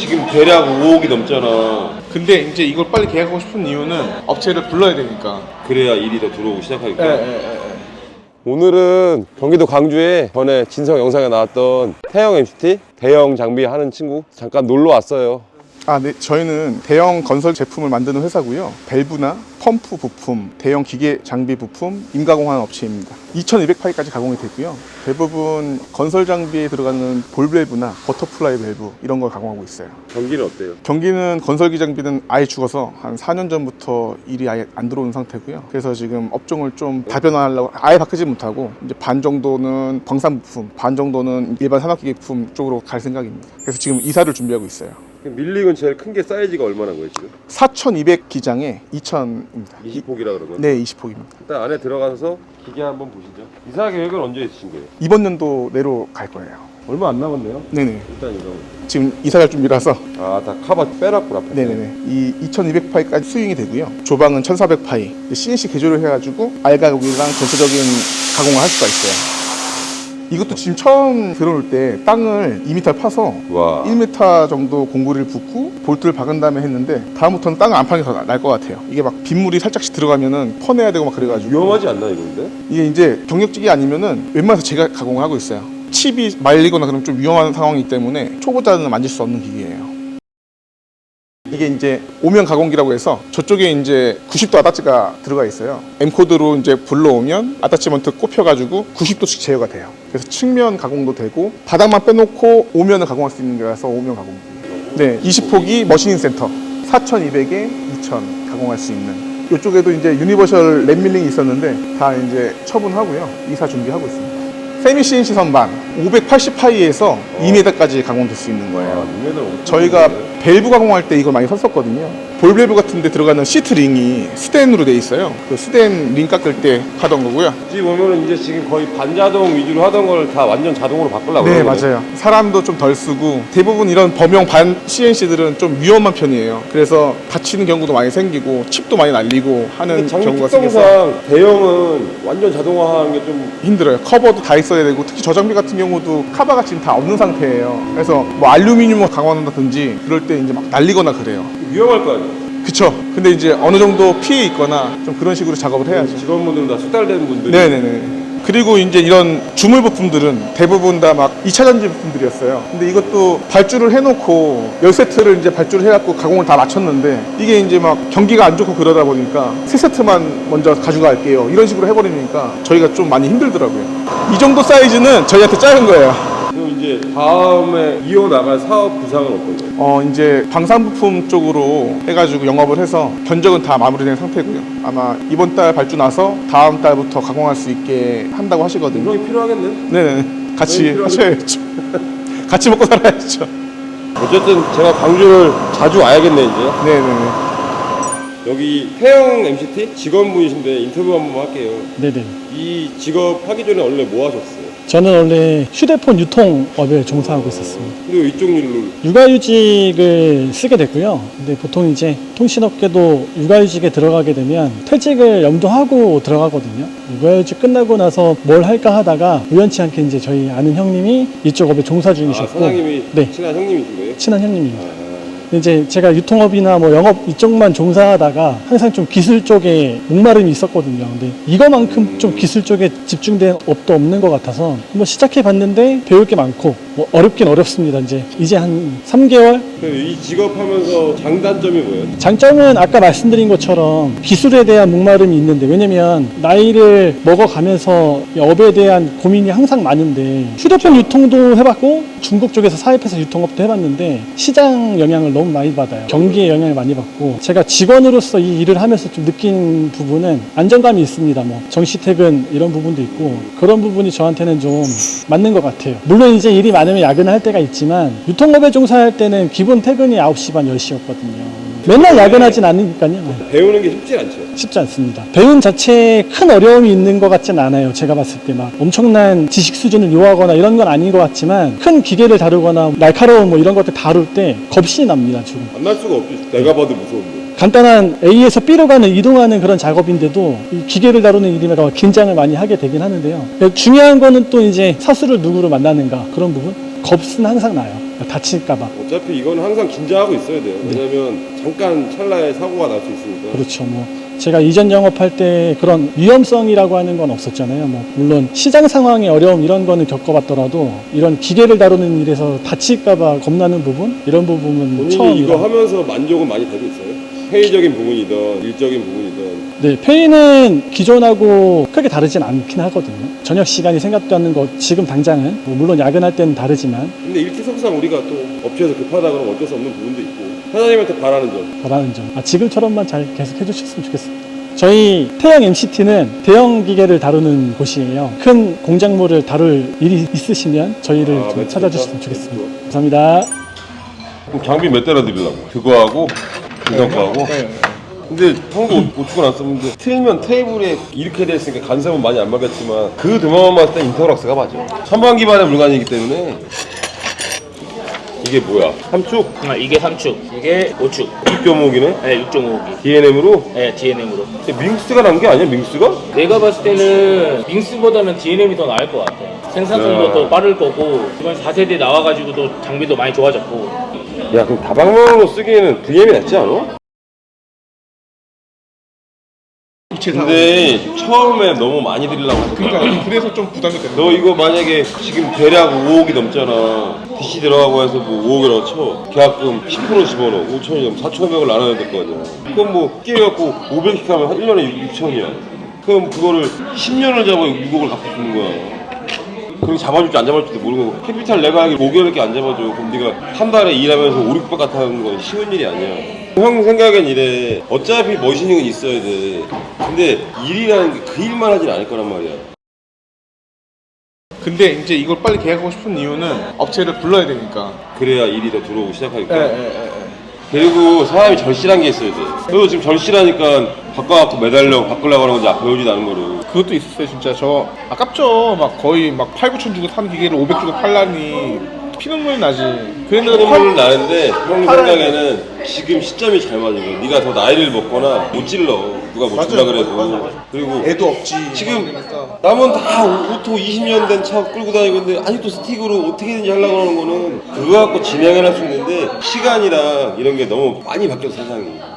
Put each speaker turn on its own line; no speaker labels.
지금 대략 5억이 넘잖아.
근데 이제 이걸 빨리 계약하고 싶은 이유는 업체를 불러야 되니까.
그래야 일이 더 들어오고 시작하니까.
오늘은 경기도 광주에 전에 진성 영상에 나왔던 태형 MCT 대형 장비 하는 친구 잠깐 놀러 왔어요.
네. 저희는 대형 건설 제품을 만드는 회사고요. 밸브나 펌프 부품, 대형 기계 장비 부품, 임가공하는 업체입니다. 2200파이까지 가공이 되고요. 대부분 건설 장비에 들어가는 볼 밸브나 버터플라이 밸브 이런 걸 가공하고 있어요.
경기는 어때요?
경기는 건설기 장비는 아예 죽어서 한 4년 전부터 일이 아예 안 들어오는 상태고요. 그래서 지금 업종을 좀 다변화하려고 아예 바꾸지 못하고 이제 반 정도는 광산 부품, 반 정도는 일반 산업기계 부품 쪽으로 갈 생각입니다. 그래서 지금 이사를 준비하고 있어요.
밀링은 제일 큰 게 사이즈가 얼마나 거예요 지금?
4200 기장에 2000입니다.
20폭이라 그러면?
네, 20폭입니다.
일단 안에 들어가서 기계 한번 보시죠. 이사 계획은 언제 있으신 거예요?
이번 연도 내로 갈 거예요.
얼마 안 남았네요.
네네.
일단 이거.
지금 이사 갈 준비라서.
다 카바 빼놨구나. 앞에.
네네네. 이 2200파이까지 스윙이 되고요. 조방은 1400파이. CNC 개조를 해가지고 알가공이랑 전체적인 가공을 할 수가 있어요. 이것도 지금 처음 들어올 때 땅을 2m 파서
와.
1m 정도 공구리를 붓고 볼트를 박은 다음에 했는데 다음부터는 땅을 안 파는 게 더 날 것 같아요. 이게 막 빗물이 살짝씩 들어가면은 퍼내야 되고 막 그래가지고
위험하지 않나 이건데?
이게 이제 경력직이 아니면은 웬만해서 제가 가공을 하고 있어요. 칩이 말리거나 그러면 좀 위험한 상황이기 때문에 초보자는 만질 수 없는 기계예요. 이게 이제 오면 가공기라고 해서 저쪽에 이제 90도 아다치가 들어가 있어요. M코드로 이제 불러오면 아다치먼트 꼽혀가지고 90도씩 제어가 돼요. 그래서 측면 가공도 되고 바닥만 빼놓고 오면을 가공할 수 있는 거라서 오면 가공기. 네, 20폭이 머신인 센터 4200에 2000 가공할 수 있는. 이쪽에도 이제 유니버셜 랩 밀링이 있었는데 다 이제 처분하고요. 이사 준비하고 있습니다. 세미 CNC 선반 580파이에서 2m까지 가공될 수 있는 거예요. 저희가 밸브 가공할 때 이걸 많이 썼었거든요. 볼 밸브 같은 데 들어가는 시트 링이 스텐으로 돼 있어요. 그 스텐 링 깎을 때 하던 거고요.
지금 보면은 이제 지금 거의 반자동 위주로 하던 걸 다 완전 자동으로 바꾸려고.
네, 맞아요. 사람도 좀 덜 쓰고 대부분 이런 범용 반 CNC들은 좀 위험한 편이에요. 그래서 다치는 경우도 많이 생기고 칩도 많이 날리고 하는 경우가 생겨서
특성상 대형은 완전 자동화하는 게 좀
힘들어요. 커버도 다 있어야 되고 특히 저 장비 같은 경우도 카바가 지금 다 없는 상태예요. 그래서 뭐 알루미늄을 강화한다든지 그럴 때 이제 막 날리거나 그래요.
위험할 거 아니에요.
그쵸. 근데 이제 어느 정도 피해 있거나 좀 그런 식으로 작업을 해야죠.
직원분들은 다 숙달된 분들이.
네네네. 그리고 이제 이런 주물 부품들은 대부분 다 막 2차 전지 부품들이었어요. 근데 이것도 발주를 해놓고 10세트를 이제 발주를 해갖고 가공을 다 마쳤는데 이게 이제 막 경기가 안 좋고 그러다 보니까 3세트만 먼저 가져갈게요. 이런 식으로 해버리니까 저희가 좀 많이 힘들더라고요. 이 정도 사이즈는 저희한테 작은 거예요.
그럼 이제 다음에 이어나갈 사업 구상은 어떤 거예요?
이제 방산부품 쪽으로 해가지고 영업을 해서 견적은 다 마무리된 상태고요. 아마 이번 달 발주 나서 다음 달부터 가공할 수 있게 한다고 하시거든요.
운영이 필요하겠네.
네네. 같이 하셔야죠. 같이 먹고 살아야죠.
어쨌든 제가 광주를 자주 와야겠네 이제.
네네네.
여기 태형 MCT 직원분이신데 인터뷰 한번 할게요.
네네.
이 직업 하기 전에 원래 뭐 하셨어요?
저는 원래 휴대폰 유통업에 종사하고 있었습니다.
근데 왜 이쪽 일로?
육아휴직을 쓰게 됐고요. 근데 보통 이제 통신업계도 육아휴직에 들어가게 되면 퇴직을 염두하고 들어가거든요. 육아휴직 끝나고 나서 뭘 할까 하다가 우연치 않게 이제 저희 아는 형님이 이쪽 업에 종사 중이셨고,
사장님이
네,
친한 형님이신 거예요?
친한 형님입니다. 이제 제가 유통업이나 뭐 영업 이쪽만 종사하다가 항상 좀 기술 쪽에 목마름이 있었거든요. 근데 이거만큼 좀 기술 쪽에 집중된 업도 없는 것 같아서 한번 시작해 봤는데 배울 게 많고 뭐 어렵긴 어렵습니다. 이제 한 3개월?
이 직업 하면서 장단점이 뭐예요?
장점은 아까 말씀드린 것처럼 기술에 대한 목마름이 있는데, 왜냐면 나이를 먹어가면서 이 업에 대한 고민이 항상 많은데 휴대폰 유통도 해봤고 중국 쪽에서 사입해서 유통업도 해봤는데 시장 영향을 너무 많이 받아요. 경기에 영향을 많이 받고, 제가 직원으로서 이 일을 하면서 좀 느낀 부분은 안정감이 있습니다. 뭐 정시퇴근 이런 부분도 있고 그런 부분이 저한테는 좀 맞는 것 같아요. 물론 이제 일이 많으면 야근할 때가 있지만 유통업에 종사할 때는 기본 퇴근이 9시 반 10시였거든요. 맨날 야근하진 않으니까요.
배우는 게 쉽지 않죠?
쉽지 않습니다. 배움 자체에 큰 어려움이 있는 것 같진 않아요. 제가 봤을 때 막 엄청난 지식 수준을 요하거나 이런 건 아닌 것 같지만 큰 기계를 다루거나 날카로운 뭐 이런 것들 다룰 때 겁이 납니다. 지금
안 날 수가 없죠. 내가 봐도 무서운데.
간단한 A에서 B로 이동하는 그런 작업인데도 이 기계를 다루는 일이라 긴장을 많이 하게 되긴 하는데요. 중요한 거는 또 이제 사수를 누구로 만나는가, 그런 부분. 겁은 항상 나요. 다칠까봐.
어차피 이건 항상 긴장하고 있어야 돼요. 왜냐면 잠깐 찰나에 사고가 날 수 있으니까.
그렇죠. 뭐 제가 이전 영업할 때 그런 위험성이라고 하는 건 없었잖아요. 뭐 물론 시장 상황의 어려움 이런 거는 겪어봤더라도 이런 기계를 다루는 일에서 다칠까봐 겁나는 부분 이런 부분은
본인이
처음이라.
이거 하면서 만족은 많이 되고 있어요? 회의적인 부분이든 일적인 부분이든.
네, 페이는 기존하고 크게 다르진 않긴 하거든요. 저녁 시간이 생각도 않는 거 지금 당장은 뭐 물론 야근할 때는 다르지만
근데 일티석상 우리가 또 업체에서 급하다 그러면 어쩔 수 없는 부분도 있고 사장님한테 바라는 점.
바라는 점. 지금처럼만 잘 계속 해주셨으면 좋겠습니다. 저희 태영 MCT는 대형 기계를 다루는 곳이에요. 큰 공작물을 다룰 일이 있으시면 저희를 좀
멘트
찾아주셨으면
좋다.
좋겠습니다. 감사합니다.
그럼 장비 몇 대나 드리려고? 그거하고 이런 거하고. 근데 형도 고추가 났었는데 틀면 테이블에 이렇게 돼 있으니까 간섭은 많이 안 맞겠지만 그 드마만 봤을 때 인터락스가 맞아. 선반 기반의 물건이기 때문에. 이게 뭐야? 함축?
이게 3축, 이게 5축.
6.5기네?
네, 6.5기.
DNM으로?
네, DNM으로.
밍스가 난 게 아니야, 밍스가?
내가 봤을 때는 밍스보다는 DNM이 더 나을 것 같아. 생산성도
야.
더 빠를 거고, 이번 4세대 나와가지고도 장비도 많이 좋아졌고.
야, 그럼 다방면으로 쓰기에는 DM이 낫지 않아? 근데 처음에 너무 많이 드리려고 하지 마.
그러니까 그래서 좀 부담이 되는
너 이거 만약에 지금 대략 5억이 넘잖아. DC 들어가고 해서 뭐 5억이라고 쳐. 계약금 10% 집어넣어. 5천이면 4,500을 나눠야 될 거 아니야. 그럼 뭐 끼워갖고 500씩 하면 한 1년에 6천이야. 그럼 그거를 10년을 잡아 6억을 갚고 주는 거야. 그럼 잡아줄지 안 잡아줄지도 모르는 거고. 캐피탈 내가 하기 5개월밖에 안 잡아줘. 그럼 네가 한 달에 일하면서 5, 600 같아 하는 건 쉬운 일이 아니야. 형 생각엔 이래. 어차피 머신ing은 있어야 돼. 근데 일이라는 게 그 일만 하진 않을 거란 말이야.
근데 이제 이걸 빨리 계약하고 싶은 이유는 업체를 불러야 되니까.
그래야 일이 더 들어오고 시작하니까.
예.
그리고 사람이 절실한 게 있어야 돼. 너도 지금 절실하니까 바꿔갖고 바꾸려고 하는 건지 배우지도 않은 거를.
그것도 있었어요 진짜. 저 아깝죠. 막 거의 막 8, 9천 주고 산 기계를 500 주고 팔라니 피눈물이 나지. 그랬는데
피눈물은 나는데 형 생각에는 지금 시점이 잘 맞은 거야. 네가 더 나이를 먹거나 못 질러. 누가 못 질러 그래도. 그리고
애도 없지.
지금 남은 다 오토 20년 된 차 끌고 다니고 있는데 아직도 스틱으로 어떻게든지 하려고 하는 거는 그거 갖고 진행을 할 수 있는데 시간이랑 이런 게 너무 많이 바뀌어서 세상이.